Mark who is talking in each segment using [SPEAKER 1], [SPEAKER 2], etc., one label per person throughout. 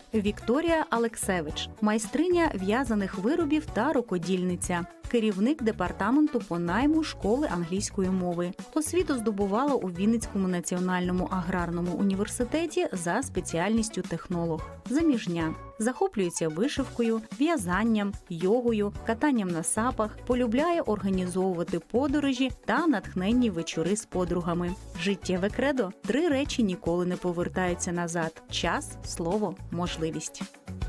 [SPEAKER 1] Вікторія Алексевич – майстриня в'язаних виробів та рукодільниця, керівник департаменту по найму школи англійської мови. Освіту здобувала у Вінницькому національному аграрному університеті за спеціальністю технолог. Заміжня. Захоплюється вишивкою, в'язанням, йогою, катанням на сапах, полюбляє організовувати подорожі та натхненні вечори з подругами. Життєве кредо – 3 речі ніколи не повертаються назад. Час, слово, можливість.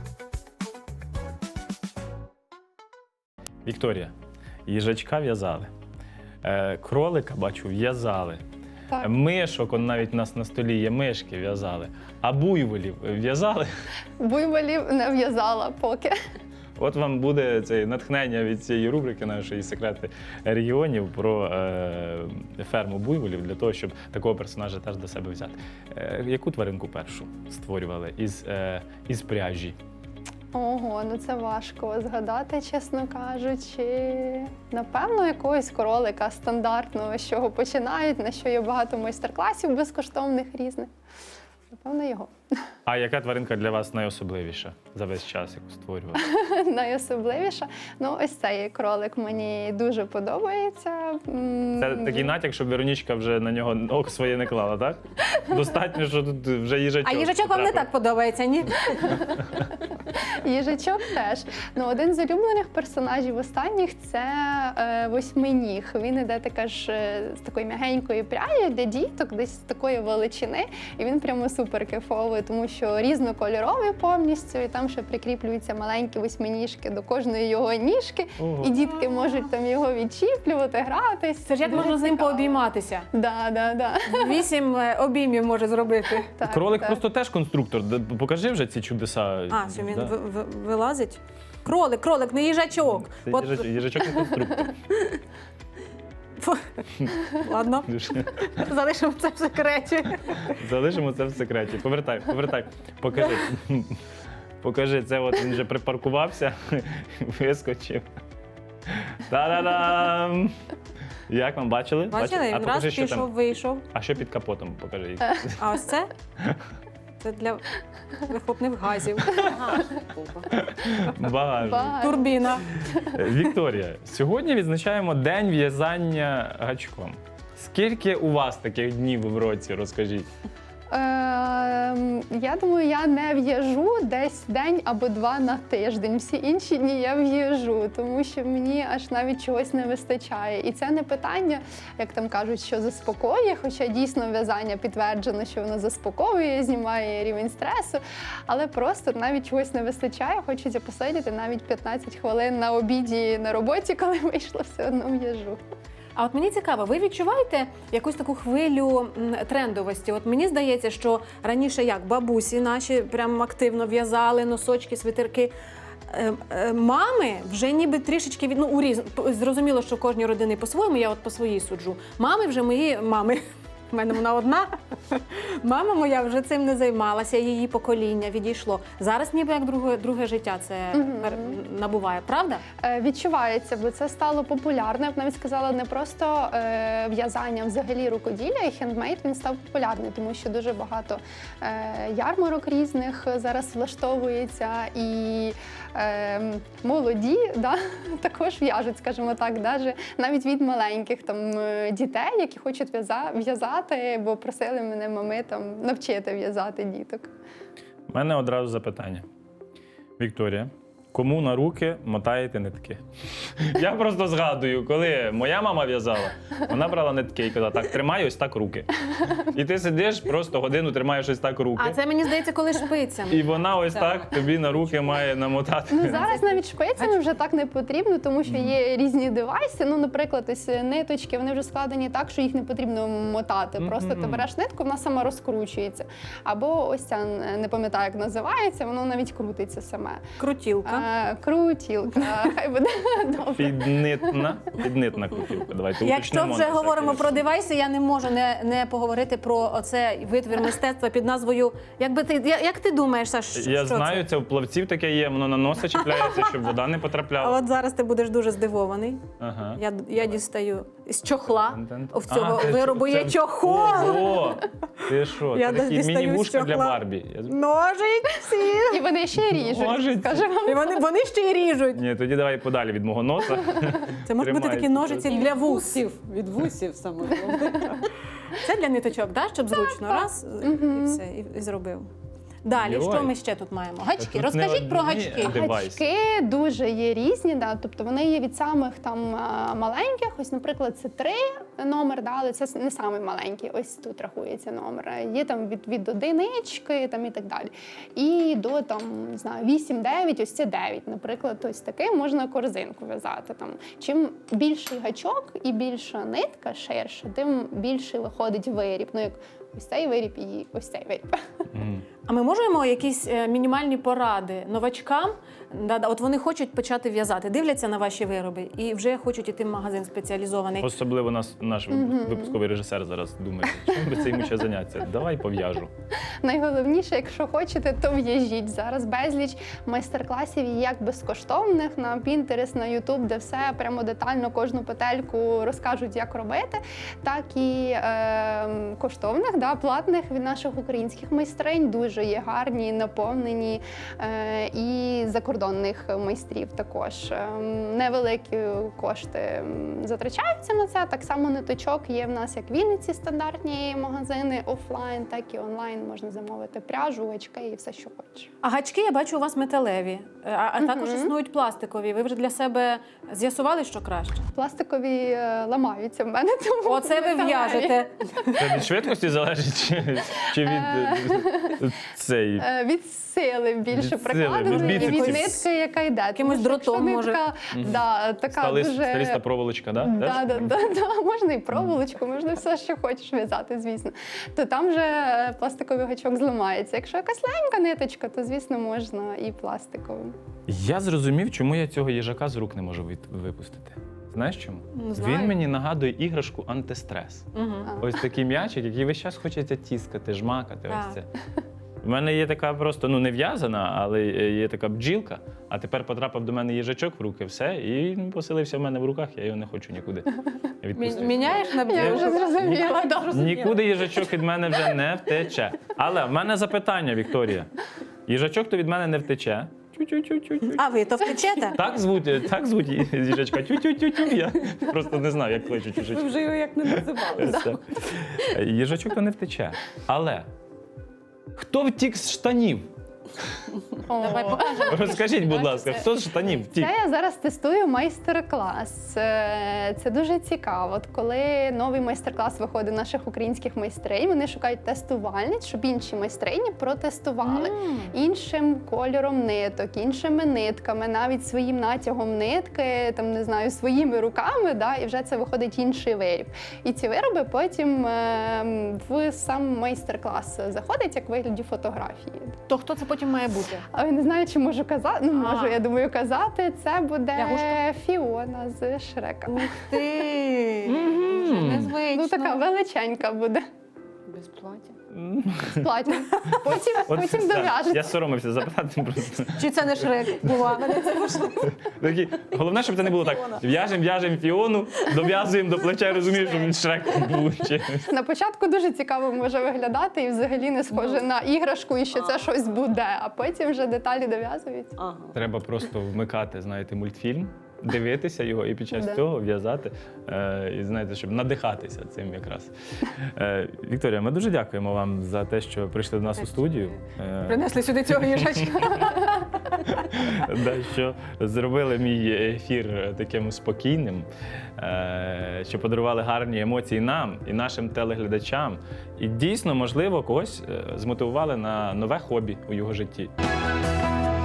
[SPEAKER 2] Вікторія, їжачка в'язали, кролика, бачу, в'язали,
[SPEAKER 3] Так.
[SPEAKER 2] мишок, он навіть у нас на столі є мишки, в'язали, а буйволів в'язали.
[SPEAKER 3] Буйволів не в'язала поки.
[SPEAKER 2] От вам буде це натхнення від цієї рубрики нашої «Секрети регіонів» про ферму буйволів, для того, щоб такого персонажа теж до себе взяти. Яку тваринку першу створювали із пряжі?
[SPEAKER 3] Ого, ну це важко згадати, чесно кажучи. Напевно, якогось кролика стандартного, з чого починають, на що є багато майстер-класів безкоштовних різних. Напевно, його.
[SPEAKER 2] А яка тваринка для вас найособливіша за весь час, яку створювали?
[SPEAKER 3] Найособливіша. Ну, ось цей кролик мені дуже подобається.
[SPEAKER 2] Це такий натяк, щоб Веронічка вже на нього око своє не клала, так? Достатньо, що тут вже їжачок.
[SPEAKER 4] А їжачок вам не так подобається, ні?
[SPEAKER 3] Їжачок теж. Ну, один з улюблених персонажів останніх – це восьминіг. Він іде така ж з такої м'ягенької пряжі для діток, десь з такої величини. І він прямо супер кайфовий, тому що різнокольоровий повністю, і там ще прикріплюються маленькі восьминіжки до кожної його ніжки.
[SPEAKER 2] Ого.
[SPEAKER 3] І дітки можуть там його відчіплювати, гратись.
[SPEAKER 4] Це ж як
[SPEAKER 3] Дуже
[SPEAKER 4] можна з ним
[SPEAKER 3] цікаво.
[SPEAKER 4] пообійматися?
[SPEAKER 3] Да.
[SPEAKER 4] 8 обіймів може зробити.
[SPEAKER 3] Так,
[SPEAKER 2] Кролик
[SPEAKER 3] так.
[SPEAKER 2] просто теж конструктор. Покажи вже ці чудеса.
[SPEAKER 4] А, що він
[SPEAKER 2] Да.
[SPEAKER 4] вилазить? Кролик, не їжачок.
[SPEAKER 2] Це
[SPEAKER 4] От,
[SPEAKER 2] їжачок не конструктор.
[SPEAKER 4] ладно,
[SPEAKER 2] Дуже.
[SPEAKER 4] залишимо це в секреті.
[SPEAKER 2] Залишимо це в секреті. Повертай. Покажи. Покажи, це от він вже припаркувався, вискочив. Та-да-дам! Як вам бачили?
[SPEAKER 4] Бачили?
[SPEAKER 2] А
[SPEAKER 4] Він раз
[SPEAKER 2] покажи, що
[SPEAKER 4] пішов,
[SPEAKER 2] там.
[SPEAKER 4] вийшов.
[SPEAKER 2] А що під капотом? Покажи.
[SPEAKER 4] А ось це? Це для вихлопних газів.
[SPEAKER 2] Багажник.
[SPEAKER 4] Турбіна.
[SPEAKER 2] Вікторія, сьогодні відзначаємо День в'язання гачком. Скільки у вас таких днів в році, розкажіть?
[SPEAKER 3] Я думаю, я не в'яжу десь день або 2 на тиждень. Всі інші дні я в'яжу, тому що мені аж навіть чогось не вистачає. І це не питання, як там кажуть, що заспокоює, хоча дійсно в'язання підтверджено, що воно заспокоює, знімає рівень стресу, але просто навіть чогось не вистачає, хочеться посидіти навіть 15 хвилин на обіді на роботі, коли вийшло, все одно в'яжу.
[SPEAKER 4] А от мені цікаво, ви відчуваєте якусь таку хвилю трендовості? От мені здається, що раніше як бабусі наші прям активно в'язали носочки, свитерки. Мами вже ніби трішечки зрозуміло, що в кожній родині по-своєму, я от по своїй суджу. Мами вже мої мами. У мене вона одна. Мама моя вже цим не займалася, її покоління відійшло. Зараз ніби як друге життя це набуває, правда?
[SPEAKER 3] Відчувається, бо це стало популярно. Я б навіть сказала, не просто в'язання, взагалі рукоділля, і хендмейд, він став популярний, тому що дуже багато ярмарок різних зараз влаштовується, і молоді також в'яжуть, скажімо так, навіть від маленьких дітей, які хочуть в'язати, бо просили мене мами навчити в'язати діток.
[SPEAKER 2] У мене одразу запитання. Вікторія, кому на руки мотаєте нитки? Я просто згадую, коли моя мама в'язала, вона брала нитки і казала, так, тримай ось так руки. І ти сидиш, просто годину тримаєш ось так руки.
[SPEAKER 4] А це, мені здається, коли шпицями.
[SPEAKER 2] І вона ось так тобі на руки має намотати.
[SPEAKER 3] Ну, зараз навіть шпицями вже так не потрібно, тому що є різні девайси. Ну, наприклад, ось ниточки, вони вже складені так, що їх не потрібно мотати. Просто ти береш нитку, вона сама розкручується. Або ось ця, не пам'ятаю, як називається, воно навіть крутиться саме.
[SPEAKER 4] Крутілка.
[SPEAKER 3] Крутілка, хай буде добре.
[SPEAKER 2] Піднитна кутівка. Давайте
[SPEAKER 4] Якщо
[SPEAKER 2] уточнимо
[SPEAKER 4] вже
[SPEAKER 2] на
[SPEAKER 4] говоримо
[SPEAKER 2] всякий
[SPEAKER 4] про девайси, я не можу не поговорити про оцей витвір мистецтва під назвою. Як ти думаєш, Саш, що
[SPEAKER 2] Я
[SPEAKER 4] це?
[SPEAKER 2] знаю, це у плавців таке є, воно на носа чіпляється, щоб вода не
[SPEAKER 4] А
[SPEAKER 2] потрапляла.
[SPEAKER 4] от зараз ти будеш дуже здивований.
[SPEAKER 2] Ага.
[SPEAKER 4] Я дістаю з чохла. В цього
[SPEAKER 2] це-
[SPEAKER 4] виробу є
[SPEAKER 2] це-
[SPEAKER 4] чохол.
[SPEAKER 2] Ого! Ти що?
[SPEAKER 4] Я
[SPEAKER 2] Це такі
[SPEAKER 4] дістаю з
[SPEAKER 2] міні-вушка для
[SPEAKER 4] чохла.
[SPEAKER 2] Барбі.
[SPEAKER 4] Ножиці.
[SPEAKER 3] І вони ще й ріжуть,
[SPEAKER 2] Ножиці.
[SPEAKER 3] скажу вам.
[SPEAKER 4] І вони ще й ріжуть.
[SPEAKER 2] Ні, тоді давай подалі від мого носа.
[SPEAKER 4] Це можуть бути такі
[SPEAKER 2] Тримається
[SPEAKER 4] ножиці для вус.
[SPEAKER 5] Від вусів саме головне.
[SPEAKER 4] Це для ниточок, да? Щоб зручно. Раз і все, і зробив. Далі,
[SPEAKER 2] Йой.
[SPEAKER 4] що ми ще тут маємо? Гачки.
[SPEAKER 2] Тут
[SPEAKER 4] Розкажіть
[SPEAKER 2] не
[SPEAKER 4] про
[SPEAKER 2] одні,
[SPEAKER 4] гачки.
[SPEAKER 2] а девайси.
[SPEAKER 3] Гачки дуже є різні, да, тобто вони є від самих там маленьких, ось, наприклад, це 3 номер, да, але це не самий маленький, ось тут рахується номер. Є там від одинички там, і так далі. І до там, не знаю, 8-9, ось це 9, наприклад, ось такий можна корзинку в'язати. Там. Чим більший гачок і більша нитка, ширша, тим більший виходить виріб. Ну, як ось цей виріб і ось цей виріб.
[SPEAKER 2] Мгм.
[SPEAKER 4] А ми можемо якісь мінімальні поради новачкам? От вони хочуть почати в'язати, дивляться на ваші вироби і вже хочуть іти в магазин спеціалізований.
[SPEAKER 2] Особливо наш випусковий режисер зараз думає, чим би це йому ще заняття? Давай пов'яжу.
[SPEAKER 3] Найголовніше, якщо хочете, то в'яжіть. Зараз безліч майстер-класів і як безкоштовних на Pinterest, на YouTube, де все прямо детально кожну петельку розкажуть, як робити, так і коштовних, да, платних від наших українських майстринь. Дуже є гарні, наповнені і закордонних майстрів також. Невеликі кошти затрачаються на це. Так само ниточок є в нас як в Вінниці стандартні магазини офлайн, так і онлайн можна замовити пряжу, гачки і все, що хочеш.
[SPEAKER 4] А гачки, я бачу, у вас металеві, а також існують пластикові. Ви вже для себе з'ясували, що краще?
[SPEAKER 3] Пластикові ламаються в мене, тому
[SPEAKER 4] Оце ви
[SPEAKER 3] металеві.
[SPEAKER 4] в'яжете.
[SPEAKER 2] Це від швидкості залежить чи від цей?
[SPEAKER 3] Від сили більше
[SPEAKER 2] Від сили,
[SPEAKER 3] прикладеної,
[SPEAKER 2] від
[SPEAKER 3] і від
[SPEAKER 2] біцепсів.
[SPEAKER 3] нитки, яка йде.
[SPEAKER 4] Якимось
[SPEAKER 3] Тому що якщо
[SPEAKER 4] дротом, може.
[SPEAKER 3] нитка, да, така
[SPEAKER 2] Сталиста
[SPEAKER 3] дуже...
[SPEAKER 2] проволочка, да?
[SPEAKER 3] Да. Можна і проволочку, можна все, що хочеш в'язати, звісно. То там вже пластиковий гачок зламається. Якщо якась легенька ниточка, то, звісно, можна і пластиковим.
[SPEAKER 2] Я зрозумів, чому я цього їжака з рук не можу випустити. Знаєш чому?
[SPEAKER 4] Не знаю.
[SPEAKER 2] Він мені нагадує іграшку антистрес. Ось такий м'ячик, який весь час хочеться тіскати, жмакати.
[SPEAKER 4] Так.
[SPEAKER 2] Ось це. У мене є така просто, не в'язана, але є така бджілка, а тепер потрапив до мене їжачок в руки, все, і він поселився в мене в руках, я його не хочу нікуди відпустити.
[SPEAKER 4] Міняєш на
[SPEAKER 3] Я
[SPEAKER 4] бджілку?
[SPEAKER 3] вже зрозуміла.
[SPEAKER 2] Нікуди їжачок від мене вже не втече. Але в мене запитання, Вікторія. Їжачок то від мене не втече. Тю-тю-тю-тю-тю.
[SPEAKER 4] А ви то втечете?
[SPEAKER 2] Так звуть їжачка. Тю-тю-тю-тю. Я просто не знаю, як кличуть
[SPEAKER 5] Ви
[SPEAKER 2] їжачки.
[SPEAKER 5] вже його як не називали.
[SPEAKER 2] Все. Їжачок то не втече. Але хто втік з штанів?
[SPEAKER 4] Давай покажемо.
[SPEAKER 2] Розкажіть, будь ласка, хто з штанів втік?
[SPEAKER 3] Це я зараз тестую майстер-клас. Це дуже цікаво. От коли новий майстер-клас виходить наших українських майстринь, вони шукають тестувальниць, щоб інші майстрині протестували іншим кольором ниток, іншими нитками, навіть своїм натягом нитки, там не знаю, своїми руками, да, і вже це виходить інший виріб. І ці вироби потім в сам майстер-клас заходять як в вигляді фотографії.
[SPEAKER 4] То хто це потім має бути?
[SPEAKER 3] А я не знаю, чи можу казати. Ну, можу,
[SPEAKER 4] А.
[SPEAKER 3] я думаю, казати. Це буде
[SPEAKER 4] Лягушка?
[SPEAKER 3] Фіона з Шрека.
[SPEAKER 4] Ух ти! Незвично.
[SPEAKER 3] Ну, така величенька буде.
[SPEAKER 5] Без плаття.
[SPEAKER 3] З платтям. Потім
[SPEAKER 2] так,
[SPEAKER 3] дов'яжеться.
[SPEAKER 2] я соромився запитати просто.
[SPEAKER 4] Чи це не Шрек? Бува, мене це вийшло.
[SPEAKER 2] Головне, щоб це не було так. В'яжемо Фіону, дов'язуємо до плеча, розумієш, що він Шреком був.
[SPEAKER 3] На початку дуже цікаво може виглядати і взагалі не схоже на іграшку і що це щось буде, а потім вже деталі дов'язуються.
[SPEAKER 5] Ага.
[SPEAKER 2] Треба просто вмикати, знаєте, мультфільм, дивитися його і під час
[SPEAKER 3] Да.
[SPEAKER 2] цього в'язати. І знаєте, щоб надихатися цим якраз. Вікторія, ми дуже дякуємо вам за те, що прийшли до нас у студію.
[SPEAKER 4] Принесли сюди цього їжачка.
[SPEAKER 2] Що зробили мій ефір таким спокійним, що подарували гарні емоції нам і нашим телеглядачам. І дійсно, можливо, когось змотивували на нове хобі у його житті.